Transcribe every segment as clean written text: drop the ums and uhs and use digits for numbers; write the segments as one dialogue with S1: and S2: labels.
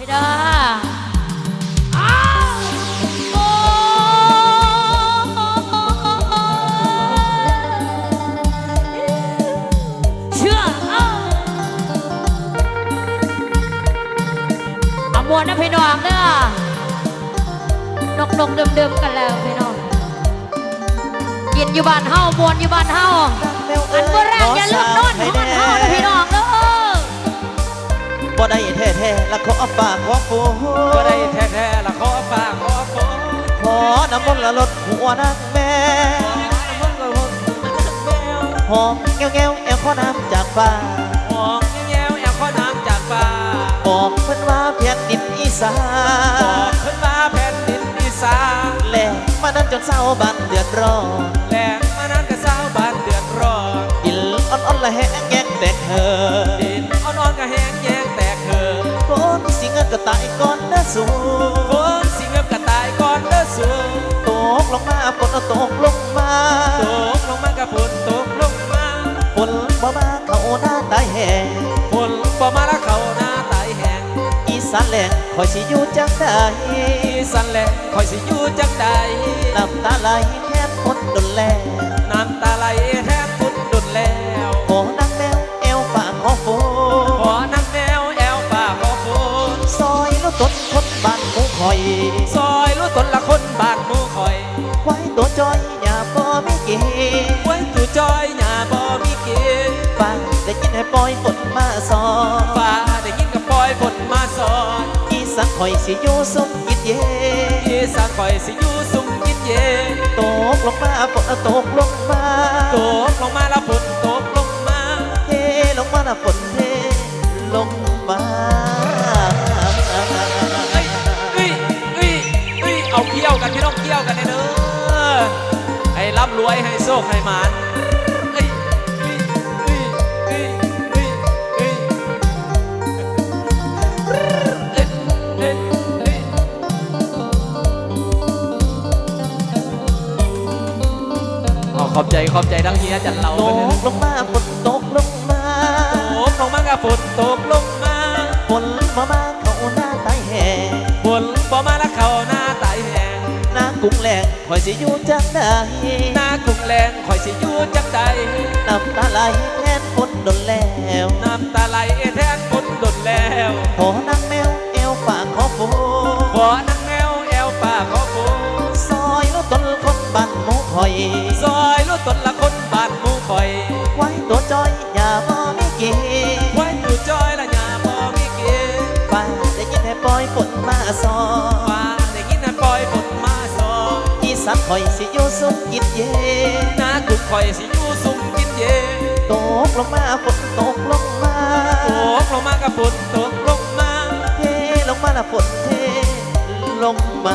S1: เด้อโอ้เชื่อเอามวนนะพี่น้องเด้อนกเดิมๆกันแล้วพี่น้องกินอยู่บ้านเฮามวนอยู่บ้านเฮาอันเมื่อแรกอย่าลืมนอนนอนเฮานะพี่น้องเด้อ
S2: บ่ได้แท้ๆละขอฝากขอฟู
S3: บ่ได้แท้ๆละขอฝากขอฟู
S2: ขอน้ำมนต์ละลดหัวนางแม่หอมแก้วแก้วแอลขอน้ำจากฟ้า
S3: หอมแย้วแอลขอน้ำจากฟ้า
S2: บอกเพิ่นว่าแผ่นดินอีสาน
S3: บอกเพิ่นว่าแผ่นดินอีสาน
S2: แหลกมานั้นจนเศร้าบ้านเดือดร้อน
S3: แหลกมานั้นก็เศร้าบ้านเดือดร้อน
S2: ดินอ่อนๆละแห้งแยกแตกเหิน
S3: ดินอ่อนๆก็แห้งแยกแตกเหิน
S2: คนสิเงินก็ตายก่อนนะสู
S3: คนสิเงินก็ตายก่อนเด้อสู
S2: ตกลงมาฝนตกลงมา
S3: ตกลงมาก็ฝนตกลงมา
S2: ฝนบ่มาเข้าหน้าตายแห้ง
S3: ฝนบ่มาแล้วเข้าหน้าตายแห้ง
S2: อีสานแหลงคอยสิอยู่จังใด
S3: อีสานแหลงคอยสิอยู่จังใด
S2: น้ำตาไหลแทนพ้นดนแล
S3: น้ำตาไหลแทนพุดดุดแล้ว
S2: ขอนางแมวแอวฝากขอฝน
S3: ขอนางแมวแอวฝากขอฝน
S2: ซอยลูกต้นคนบ้านหมูคอย
S3: ซอยรู้ตนละคนบ้านหมู่คอย
S2: ไว้ตัวจอยอย่าบ่ไม่เกี่
S3: ไว้ตู่จอยหน้าบ่มีเกณฑ์
S2: ฟังได้ยินให้ปล่อยฝนมาสอน
S3: ฟ้าได้ยินกับปล่อยฝนมาสอน
S2: อีสานคอยสิอยู่สุขยินเย็น
S3: อีสานคอยสิอยู่สุขยินเย็น
S2: ตกลงมาฝนตกลงมา
S3: ตกลงมาแล้วฝนตกลงมา
S2: เทลงมาแล้วฝนเทลงมา
S3: เอาเกี่ยวกันพี่น้องเกี่ยวกันเด้อให้ร่ำรวยให้โชคให้หมานขอบใจทั้งเฮียจันเรา
S2: ตกลงมาฝนตกลงมา
S3: ตกลงมากับฝนตกลงมา
S2: ฝนบ่มาเข้าหน้าตายแห้ง
S3: ฝนบ่มาแล้วเข้าหน้าตายแห้ง
S2: หน้ากุ้งแหลงคอยสิอยู่จังใด
S3: หน้ากุ้งแรงคอยสิอยู่จังใด
S2: น้ำตาไหลแทนฝนดนแล้ว
S3: น้ำตาไหลแทนฝนดนแล้ว
S2: ขอนางแมวแอวฝากขอฝน
S3: ขอนางแมวแอวฝากขอฝน
S2: ซอยลูกต้นคนบ้านหมูคอย
S3: ซอยรู้ตนละคนบ้านหมู่คอย
S2: ไว้ตัวจอยอย่าบ่ไม่เกี่
S3: ไว้ตู่จอยละอย่าบ่มีเกณฑ์
S2: ฟ้าได้ยินให้ปล่อยฝนมาสอน
S3: ฟ้าได้ยินให้ปล่อยฝนมาสอน
S2: อีสานคอยสิอยู่สุขกินเย็น
S3: หน้ากุ้งคอยสิอยู่สุขกินเย็น
S2: ตกลงมาฝนตกลงมา
S3: ตกลงมากับฝนตกลงมา
S2: เทลงมาละฝนเทลงมา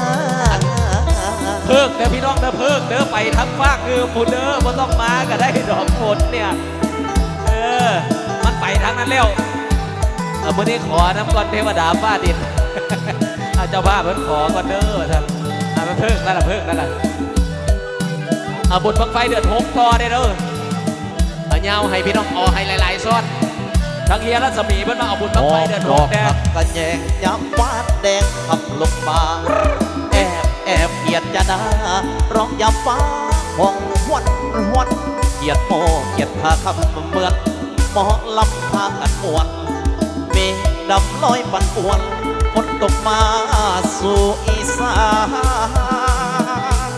S3: เพิกเด้อพี่น้องเด้อเพิกเด้อไปทั้งภาคคือฝุ่นเด้อบ่ต้องมาก็ได้ดอกฝนเนี่ยมันไปทางนั้นแล้วมื้อนี้ขอน้ำก่อนเทวดาฟ้าดินเจ้าภาพเพิ่นขอก่อนเด้อท่านมันเพิกนั่นล่ะเพิกนั่นล่ะบุญบังไฟเดือด6ต่อได้เด้อเงาให้พี่น้องอให้หลายๆซ้อนทั้งเฮียรัศมีเพิ่นมาเอาบุญบังไฟเดือด6แดง
S2: กันแยงย้ำวาดแดงขับลงมาแอบเกียดจะดาร้องยำฟ้าห้องหวนเกียดโมเกียดพาคำเหมือนหมอลำพากันมวนเมฆดำลอยปั่นป่วนฝนตกมาสู่อีสาน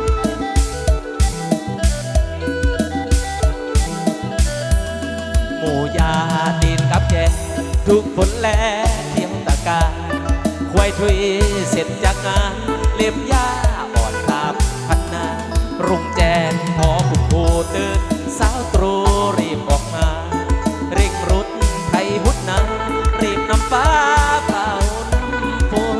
S3: หมู่ยาดินกับแจทุกฝนแลเทียมตะการควายทุยเสร็จจากงานเล็บยาอ่อนตามพันนารุ่งแจ้งพอคุณผู้ตื่นสาวตรูรีบออกมาเร่งรุดไทยหุดนารีบนำฟ้าเป่าฝน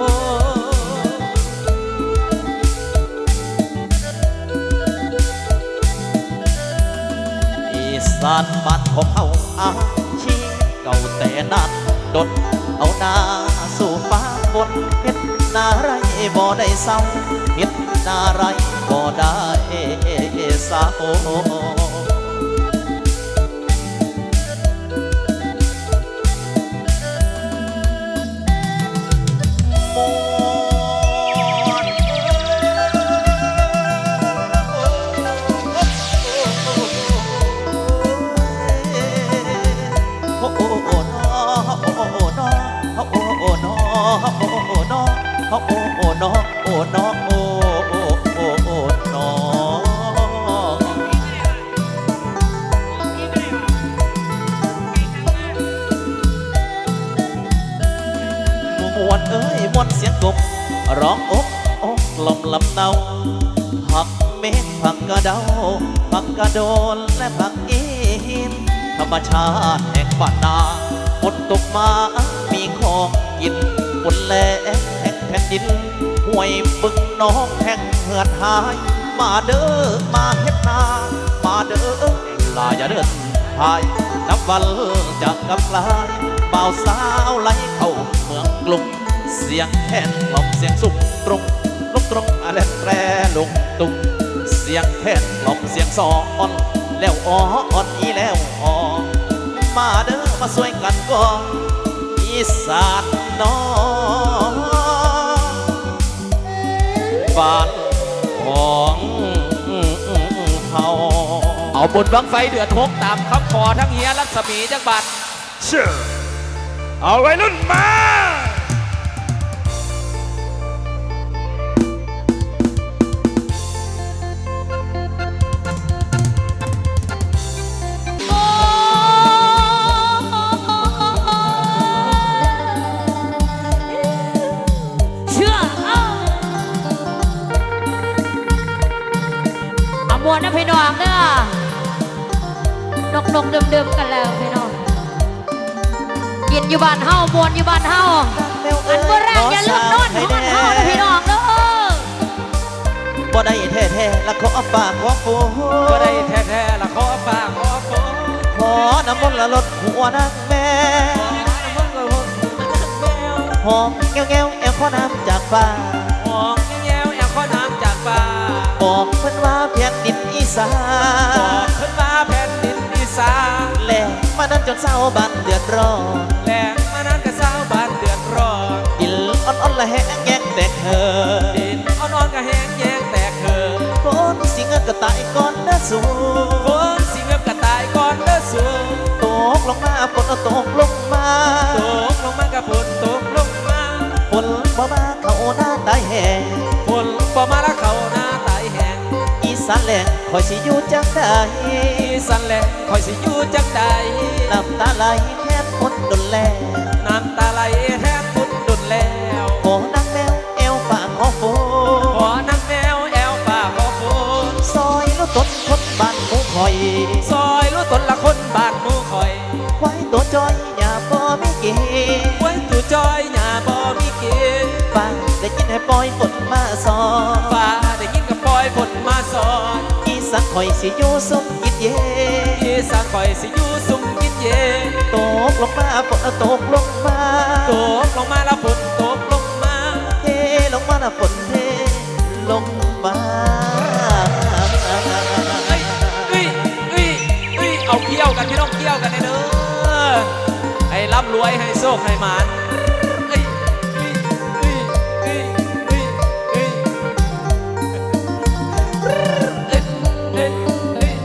S2: อีสานบ้านของเฮาอาชีเก่าแต่นานดดเอาหน้าสู่ฟ้าฝนเฮ็ดนาไรบ่ได้เศร้าเฮ็ดนาไรบ่ได้เศร้าวนเอ้ยมวนเสียงกบร้องอกอกลมลำเนาผักเม็ดผักกระเดาผักกระโดนและผักอีหินธรรมชาติแห่งบ้านนาฝนตกมามีของกินฝนแลงแห่งแผ่นดินห้วยบึงน้องแห่งเหือดหายมาเด้อมาเฮ็ดนามาเด้อลาอย่าเดินพายนับวันจะกำลายบ่าวสาวไหลเข้าเมืองกรุงเสียงแคนกล่อมเสียงสุกตรงลุกตรงอะไรแตรลงตุงเสียงแคนกล่อมเสียงซออ่อนแล้วอ่อนอีแล้วอ่อมาเด้อมาสวยกันก่อนอีสานน้องบ้านของเฮา
S3: เอาบุญบังไฟเดือด6ตามคำขอทั้งเฮียรัศมีจังบัด
S4: เชื่อเอาไว้รุ่นมา
S1: โอ้เชื่อเอามวนนะพี่น้องเด้อนกเดิมๆกันแล้วพี่น้องกินอยู่บ้านเฮามวนอยู่บ้านเฮาอันเมื่อแรกอย่าลืมนอนฮอนเฮานะพี่น้องเด้อ
S2: บ่ได้แท้ๆและขอฝากขอฟู
S3: ก็ได้แท้ๆละขอฝากขอฝน
S2: ขอน้ำมนต์ละลดหัวนางแม่
S3: ขอน้ำมันก็หุ่นแมว
S2: หอมแง้วแง้วแอวขอน้ำจากฟ้า
S3: หองแย้วแอลข้อน้ำจากฟ้า
S2: บอกเพิ่นว่าแผ่นดินอีสา
S3: บอกขึ้นมาแผ่นดินอีสาน
S2: แหลกมานั้นจนเศร้าบ้านเดือดร้อน
S3: แหลงมานั้นก็สาวบ้านเดือดร้อน
S2: ดินอ่อนๆละแหงแยกแตกเธอ
S3: ดินอ่อนๆก็แห้งแย้งแตกเหือ
S2: ฝนสิเงินก็ตายก่อนนะสู
S3: ฝนสิเงือบกระตายก่อนเด้อสู
S2: ตกลงมาฝนตกลงมา
S3: ตกลงมากับฝนตกลงมา
S2: ฝนบ่มาเข้าหน้าตายแห้ง
S3: ฝนบ่มาแล้วเขาหน้าตายแห้ง
S2: อีสานแหลงคอยสิอยู่จังใด
S3: อีสันแหลงคอยสิอยู่จังใด
S2: น้ำตาไหลแทบฝนดนแล
S3: น้ำตาไหลแทบพุดดุนแล้ว
S2: ขอนางแมวเอวปากขอฝ
S3: ขอนางแมวแอวป่าขอฝน
S2: ซอยแล้วต้นคนบ้านหมูคอย
S3: ซอยรู้ตนละคนบ้านหมูคอย
S2: ไว้ตัวจอยอย่าบ่ไม่เก๋
S3: ไว้ตู่จอยหน้าบ่มีเกณฑ์
S2: ฟังได้ยินให้ปล่อยฝนมาสอน
S3: ฟ้าได้ยินกับปล่อยฝนมาสอน
S2: อีสักคอยสิอยู่สุขกินเย็น
S3: อีสานคอยสิอยู่สุขกินเย็น
S2: ตกลงมาฝนตกลงมา
S3: ตกลงมาแล้วฝนตกลงมา
S2: เทลงมาละฝนเทลงมา
S3: เอ้ยเอ้ยเอ้ยเอ้ยเอาเกี่ยวกันพี่น้องเกี่ยวกันเด้อให้ร่ำรวยให้โชคให้หมานเอ้ยเอ้ยเอ้ยเอ้ยเอ้ยเอ้ยเอ้ยเอ้ยเอ้ย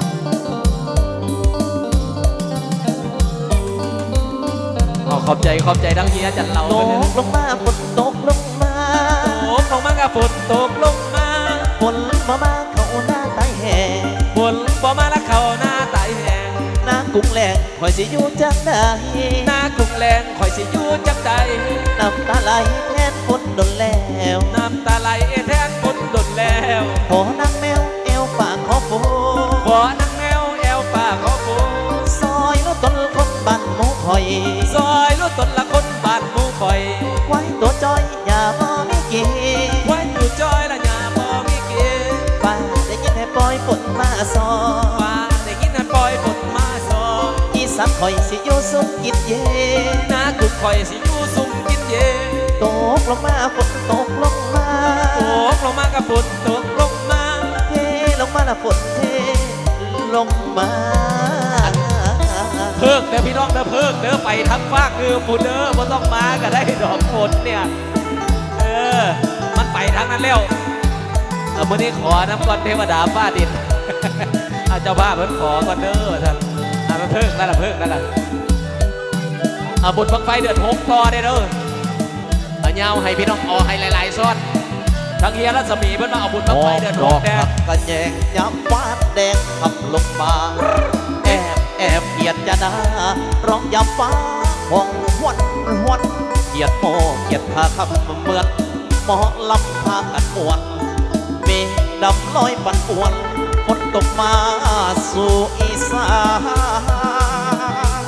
S3: เอาขอบใจทั้งเฮียจันเรา
S2: ตกลงมาฝนตกลงมา
S3: ตกลงมากับฝนตกลงมา
S2: ฝนมาเข้าหน้าตายแห่ง
S3: ฝนบ่มาแล้วเขาหน้าตายแห้ง
S2: หน้ากุ้งแหลงคอยสิอยู่จังใด
S3: หน้ากุ้งแรงคอยสิอยู่จังใด
S2: น้ำตาไหลแทนฝนดนแล้ว
S3: น้ำตาไหลแทนฝนดนแล้ว
S2: ขอนางแมวเอวปากขอฝน
S3: ขอนางแมวแอวป่าขอฝน
S2: ซอยแล้วต้นคนบ้านหมูคอย
S3: ซอยรู้ตนละคนบ้านหมูคอย
S2: ไว้ตัวจอยอย่าบ่ไม่เก๋
S3: ไว้อยู่จอยละหยาบ่มีเกณฑ์
S2: ฟ้าได้ยินให้ปล่อยฝนมาสอน
S3: ฟ้าได้ยินให้ปล่อยฝนมาสอน
S2: อีสักคอยสิอยู่สุขกินเย็น
S3: หน้ากุ้งคอยสิอยู่สุขกินเย็น
S2: ตกลงมาฝนตกลงมา
S3: ตกลงมากับฝนตกลงมา
S2: เทลงมาละฝนเทลงมา
S3: เพิกเด้อพี่น้องเด้อเพิกเด้อไปทั้งฟากคือฝุ่นเด้อบ่ต้องมาก็ได้ดอกฝนเนี่ยมันไปทางนั้นแล้วมื้อนี้ขอน้ำก่อนเทวดาฟ้าดิน เจ้าบ้าเพิ่นขอก่อนเด้อท่านมันเพิกนั่นล่ะเพิกนั่นล่ะบุญบังไฟเดือด6ต่อได้เด้อเงาให้พี่น้องอให้หลายๆซ้อนทั้งเฮียรัศมีเพิ่นมาเอาบุญบังไฟเดือด
S2: ดอก
S3: 6แด
S2: ผั
S3: ง
S2: กกระแยงยับวาดแดงขับลงมาแอบเกียดจะนาร้องยำฟ้าห้องหวนเกียดโมเกียรติพาคำเหมือนหมอลำพากันมวนเมฆดำลอยปั่นป่วนฝนตกมาสู่อีสาน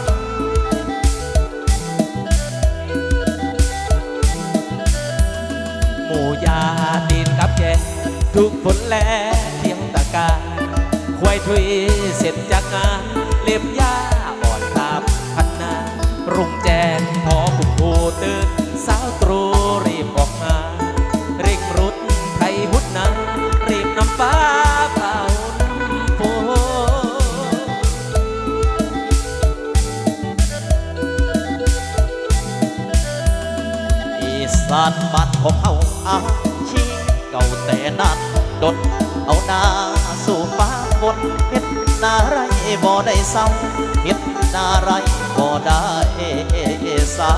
S3: หมู่ยาดินกับแกทุกฝนแลเที่ยวตะการควายทุยเสร็จจากงานเล็บยาอ่อนตามพันนารุ่งแจ้งพอคุณผูตื่นสาวตรูรีบออกมาเร่งรุดไทยหุดนารีบนำฟ้าเผาฝน
S2: อีสานบ้านของเฮาอาชีเก่าแต่นานดนเอาหน้าสู่ฟ้าบนเฮ็ดนาไรบ่ได้เศร้าเฮ็ดนาไรบ่ได้เศร้า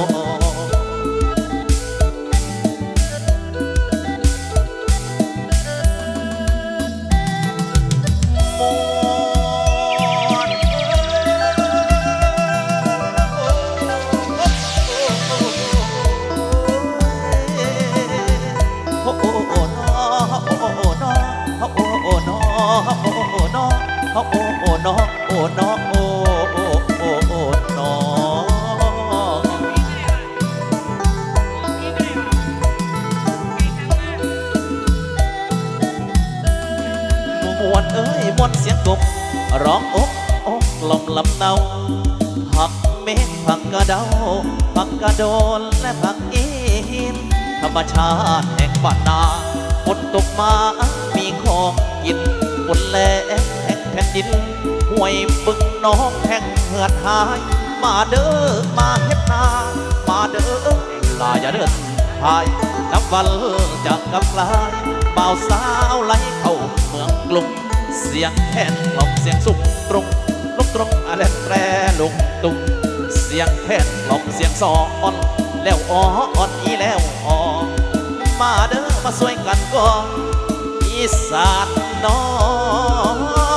S2: มวนเอ้ยมวนเสียงกบร้องอกอกลมลำเนาผักเม็ดผักกระเดาผักกระโดนและผักอีหินธรรมชาติแห่งบ้านนาฝนตกมามีของกินฝนแลแห่งแผ่นดินห้วยบึงน้องแห่งเหือดหายมาเด้อมาเฮ็ดนามาเด้อลาอย่าเดินพายน้ำวันจะกำลายบ่าวสาวไหลเข้าเมืองกรุงเสียงแคนกล่อมเสียงสุกตรงลุกตรงอะไรแตรลุงตุงเสียงแคนกล่อมเสียงซออ่อนแล้วอ่อนอีแล้วอ่อมาเด้อมาสวยกันก่อนอีสานน้อง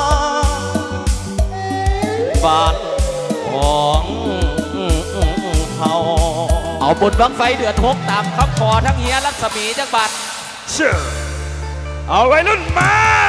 S2: บ้านของเฮา
S3: เอาบุญบังไฟเดือด6ตามคำขอทั้งเฮียรัศมีจังบัด
S4: เชื่อเอาไว้รุ่นมา